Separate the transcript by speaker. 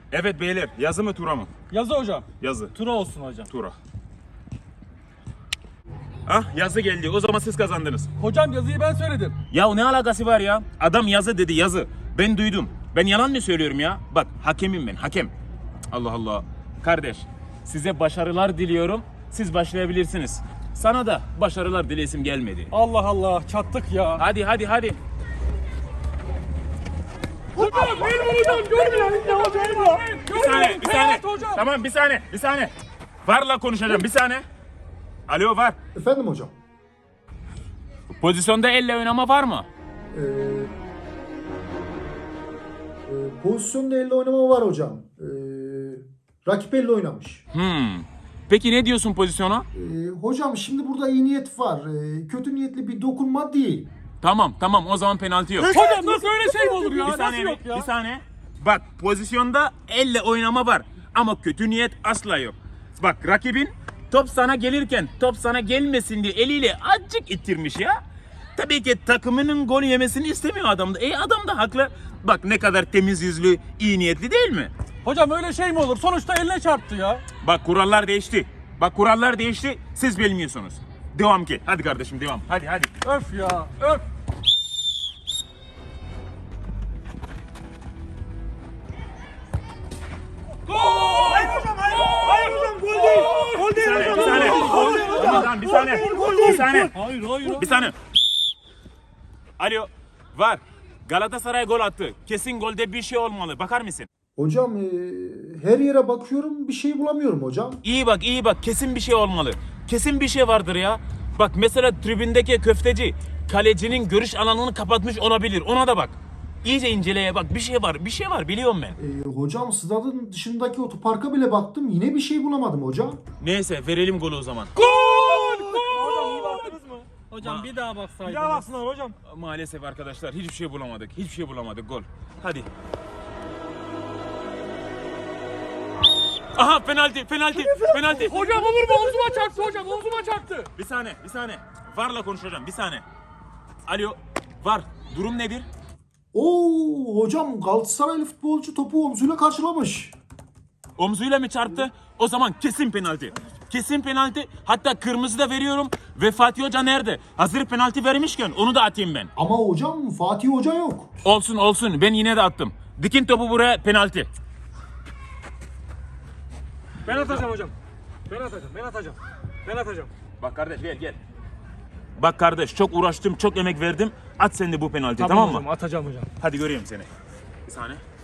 Speaker 1: Evet beyler, yazı mı tura mı?
Speaker 2: Yazı hocam.
Speaker 1: Yazı.
Speaker 2: Tura olsun hocam.
Speaker 1: Tura. Ah yazı geldi. O zaman siz kazandınız.
Speaker 2: Hocam yazıyı ben söyledim.
Speaker 1: Ya ne alakası var ya? Adam yazı dedi yazı. Ben duydum. Ben yalan mı söylüyorum ya? Bak hakemim ben hakem. Allah Allah. Kardeş size başarılar diliyorum. Siz başlayabilirsiniz. Sana da başarılar dilesim gelmedi.
Speaker 2: Allah Allah çattık ya.
Speaker 1: Hadi hadi hadi.
Speaker 2: Hocam benim hocam görmüyor ya hocam.
Speaker 1: Bir saniye, bir saniye.
Speaker 2: Hocam.
Speaker 1: Tamam bir saniye, bir saniye. Varla konuşacağım bir saniye. Alo var.
Speaker 3: Efendim hocam.
Speaker 1: Pozisyonda elle oynama var mı?
Speaker 3: Pozisyonda elle oynama var hocam. Rakip elle oynamış.
Speaker 1: Peki ne diyorsun pozisyona?
Speaker 3: Hocam şimdi burada iyi niyet var. Kötü niyetli bir dokunma değil.
Speaker 1: Tamam tamam o zaman penaltı yok.
Speaker 2: Hocam nasıl öyle şey mi olur ya?
Speaker 1: Bir
Speaker 2: Nasıl
Speaker 1: saniye,
Speaker 2: yok ya?
Speaker 1: bir saniye. Bak pozisyonda elle oynama var ama kötü niyet asla yok. Bak rakibin top sana gelirken top sana gelmesin diye eliyle azıcık ittirmiş ya. Tabii ki takımının gol yemesini istemiyor adam da. Adam da haklı. Bak ne kadar temiz yüzlü, iyi niyetli değil mi?
Speaker 2: Hocam öyle şey mi olur? Sonuçta eline çarptı ya.
Speaker 1: Bak kurallar değişti. Bak kurallar değişti. Siz bilmiyorsunuz. Devam ki. Hadi kardeşim devam. Hadi hadi.
Speaker 2: Öf ya öf.
Speaker 1: Bir saniye, bir saniye. Tamam, bir saniye. Bir saniye.
Speaker 2: Hayır hayır.
Speaker 1: Bir saniye. Alo. Var. Galatasaray gol attı. Kesin golde bir şey olmalı. Bakar mısın?
Speaker 3: Hocam her yere bakıyorum bir şey bulamıyorum hocam.
Speaker 1: İyi bak, iyi bak. Kesin bir şey olmalı. Kesin bir şey vardır ya. Bak mesela tribündeki köfteci kalecinin görüş alanını kapatmış olabilir. Ona da bak. İyice inceleye bak. Bir şey var. Bir şey var biliyorum ben.
Speaker 3: Hocam stadın dışındaki otoparka bile baktım. Yine bir şey bulamadım hocam.
Speaker 1: Neyse verelim golü o zaman.
Speaker 2: Hocam iyi baktınız mı? Hocam bir daha baksaydınız.
Speaker 4: Ya baksınlar hocam.
Speaker 1: Maalesef arkadaşlar hiçbir şey bulamadık. Hiçbir şey bulamadık. Gol. Hadi. Aha penaltı, penaltı, penaltı.
Speaker 2: Hocam olur mu? Omzuma çarptı hocam. Omzuma çarptı.
Speaker 1: Bir saniye, bir saniye. Varla konuşacağım. Bir saniye. Alo, var. Durum nedir?
Speaker 3: Oo hocam Galatasaraylı futbolcu topu omzuyla karşılamış.
Speaker 1: Omzuyla mı çarptı? O zaman kesin penaltı. Kesin penaltı. Hatta kırmızı da veriyorum. Ve Fatih Hoca nerede? Hazır penaltı vermişken onu da atayım ben.
Speaker 3: Ama hocam Fatih Hoca yok.
Speaker 1: Olsun olsun. Ben yine de attım. Dikin topu buraya penaltı.
Speaker 4: Ben atacağım hocam. Ben atacağım. Ben atacağım. Ben atacağım.
Speaker 1: Bak kardeş gel gel. Bak kardeş çok uğraştım, çok emek verdim. At sen de bu penaltıyı tamam mı?
Speaker 4: hocam atacağım hocam.
Speaker 1: Hadi göreyim seni. Bir saniye.